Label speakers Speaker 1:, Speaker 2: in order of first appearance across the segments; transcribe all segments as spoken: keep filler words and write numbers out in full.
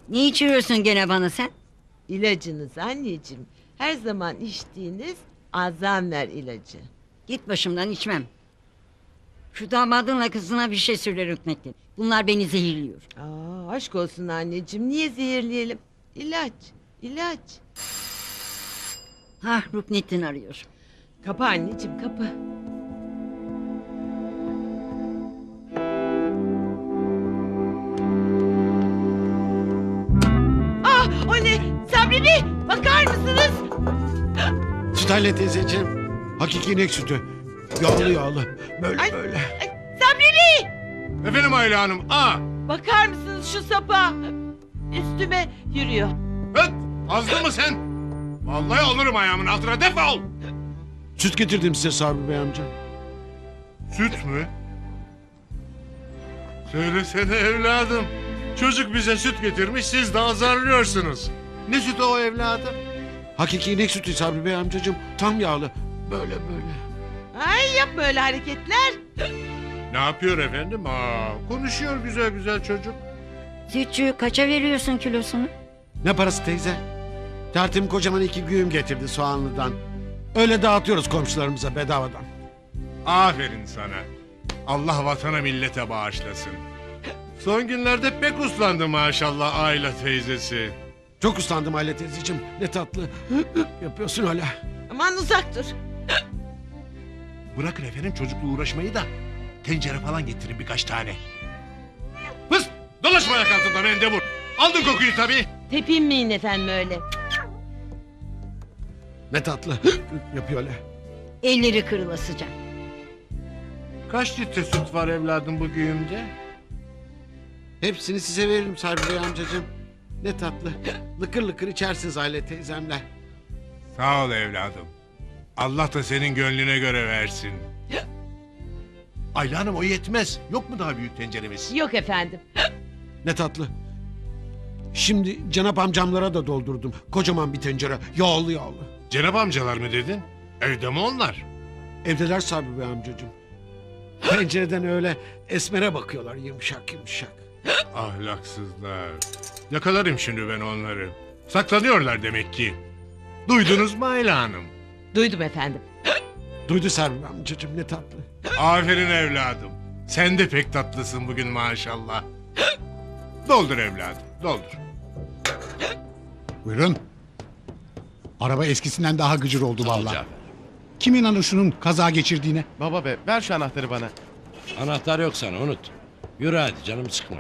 Speaker 1: Ne içiriyorsun gene bana sen?
Speaker 2: İlacınız anneciğim. Her zaman içtiğiniz Alzheimer ilacı.
Speaker 1: Git başımdan, içmem. Şu damadınla kızına bir şey söyle Rüknettin. Bunlar beni zehirliyor.
Speaker 2: Aa, aşk olsun anneciğim. Niye zehirleyelim? İlaç, ilaç.
Speaker 1: Hah, Rüknettin arıyor.
Speaker 2: Kapı anneciğim, kapı. Ah, o ne? Sabri Bey, bakar mısınız?
Speaker 3: Sütayla teyzeciğim. Hakiki inek sütü. Yağlı yağlı. Böyle
Speaker 2: Ay.
Speaker 3: böyle.
Speaker 2: Ay, Sabri Bey!
Speaker 4: Efendim Ayla Hanım. Aa!
Speaker 2: Bakar mısınız şu sapa? Üstüme yürüyor.
Speaker 4: Hıt! Azdı mı sen? Vallahi alırım ayağımın altına, defol!
Speaker 3: Süt getirdim size Sabri Bey amca.
Speaker 4: Süt mü? Söylesene evladım. Çocuk bize süt getirmiş, siz de azarlıyorsunuz. Ne sütü o evladım?
Speaker 3: Hakiki inek sütü Sabri Bey amcacığım. Tam yağlı. Böyle böyle.
Speaker 2: Ay, yapma öyle hareketler.
Speaker 4: Ne yapıyor efendim? Aa, konuşuyor güzel güzel çocuk.
Speaker 1: Sütçü, kaça veriyorsun kilosunu?
Speaker 3: Ne parası teyze? Tertim kocaman iki güğüm getirdi soğanlıdan. Öyle dağıtıyoruz komşularımıza bedavadan.
Speaker 4: Aferin sana. Allah vatana millete bağışlasın. Son günlerde pek uslandı maşallah Ayla teyzesi.
Speaker 3: Çok uslandım Aile teyzeciğim. Ne tatlı. Yapıyorsun hala.
Speaker 2: Aman uzak dur.
Speaker 4: Bırakın efendim çocukla uğraşmayı da tencere falan getirin birkaç tane. Pıs! Dolaşma ayak altında mendebur. Aldın kokuyu tabii.
Speaker 2: Tepinmeyin efendim öyle.
Speaker 3: Ne tatlı. Yapıyor öyle.
Speaker 1: Elleri kırılasıca.
Speaker 4: Kaç litre süt var evladım bu güğümde?
Speaker 3: Hepsini size veririm Sabri Bey amcacığım. Ne tatlı. Lıkır lıkır içersiniz Aile teyzemle.
Speaker 4: Sağ ol evladım. Allah da senin gönlüne göre versin. Ayla Hanım o yetmez. Yok mu daha büyük tenceremiz?
Speaker 2: Yok efendim.
Speaker 3: Ne tatlı. Şimdi Cenap amcamlara da doldurdum. Kocaman bir tencere. Yağlı yağlı.
Speaker 4: Cenab amcalar mı dedin? Evde mi onlar?
Speaker 3: Evdeler Sabri Bey amcacığım. Pencereden öyle esmere bakıyorlar yumuşak yumuşak.
Speaker 4: Ahlaksızlar. Yakalarım şimdi ben onları. Saklanıyorlar demek ki. Duydunuz mu Ayla Hanım?
Speaker 2: Duydum efendim.
Speaker 3: Duydu Sabri Bey amcacığım ne tatlı.
Speaker 4: Aferin evladım. Sen de pek tatlısın bugün maşallah. Doldur evladım, doldur.
Speaker 5: Buyurun. Araba eskisinden daha gıcır oldu vallahi. Kim inanır şunun kaza geçirdiğine?
Speaker 6: Baba be ver şu anahtarı bana.
Speaker 7: Anahtar yok sana, unut. Yürü hadi, canımı sıkma.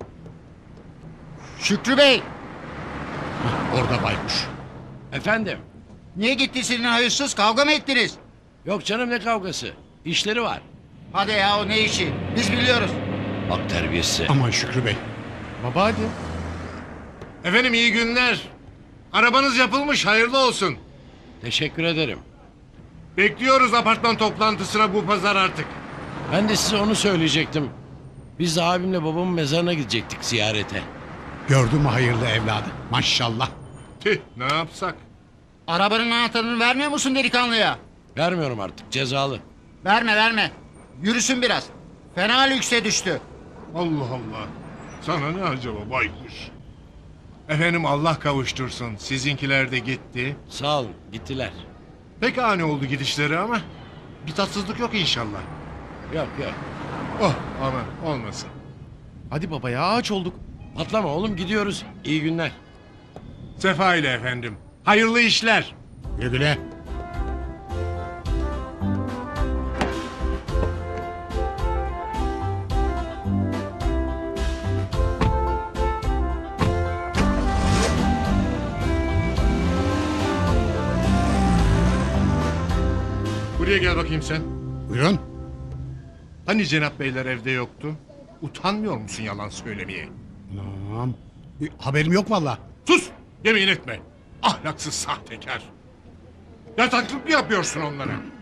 Speaker 8: Şükrü Bey,
Speaker 5: Orada baykuş.
Speaker 7: Efendim?
Speaker 8: niye gitti senin hayırsız, kavga mı ettiniz?
Speaker 7: Yok canım, ne kavgası? İşleri var.
Speaker 8: Hadi ya, o ne işi? Biz biliyoruz.
Speaker 7: Bak terbiyesi.
Speaker 5: Aman Şükrü Bey.
Speaker 6: Baba hadi.
Speaker 4: Efendim iyi günler. Arabanız yapılmış, hayırlı olsun.
Speaker 7: Teşekkür ederim.
Speaker 4: Bekliyoruz apartman toplantısına bu pazar artık.
Speaker 7: Ben de size onu söyleyecektim. Biz de abimle babamın mezarına gidecektik ziyarete.
Speaker 5: Gördün mü hayırlı evladı? Maşallah.
Speaker 4: Tüh, ne yapsak?
Speaker 8: Arabanın anahtarını vermiyor musun delikanlıya?
Speaker 7: Vermiyorum artık, cezalı.
Speaker 8: Verme verme. Yürüsün biraz. Fena lükse düştü.
Speaker 4: Allah Allah. Sana ne acaba baykuş? Efendim Allah kavuştursun. Sizinkiler de gitti.
Speaker 7: Sağ olun, gittiler.
Speaker 4: Pek ani oldu gidişleri ama bir tatsızlık yok inşallah.
Speaker 7: Yok yok.
Speaker 4: Oh aman olmasın.
Speaker 6: Hadi baba ya aç olduk.
Speaker 7: Patlama oğlum, gidiyoruz. İyi günler.
Speaker 4: Sefa ile efendim. Hayırlı işler.
Speaker 5: Güle güle.
Speaker 4: Buraya gel bakayım sen.
Speaker 5: Buyurun.
Speaker 4: Hani Cenap Beyler evde yoktu? Utanmıyor musun yalan söylemeye?
Speaker 5: Tamam. E, Haberim yok vallahi.
Speaker 4: Sus! Yemin etme. Ahlaksız sahtekar. Yataklık mı yapıyorsun onlara?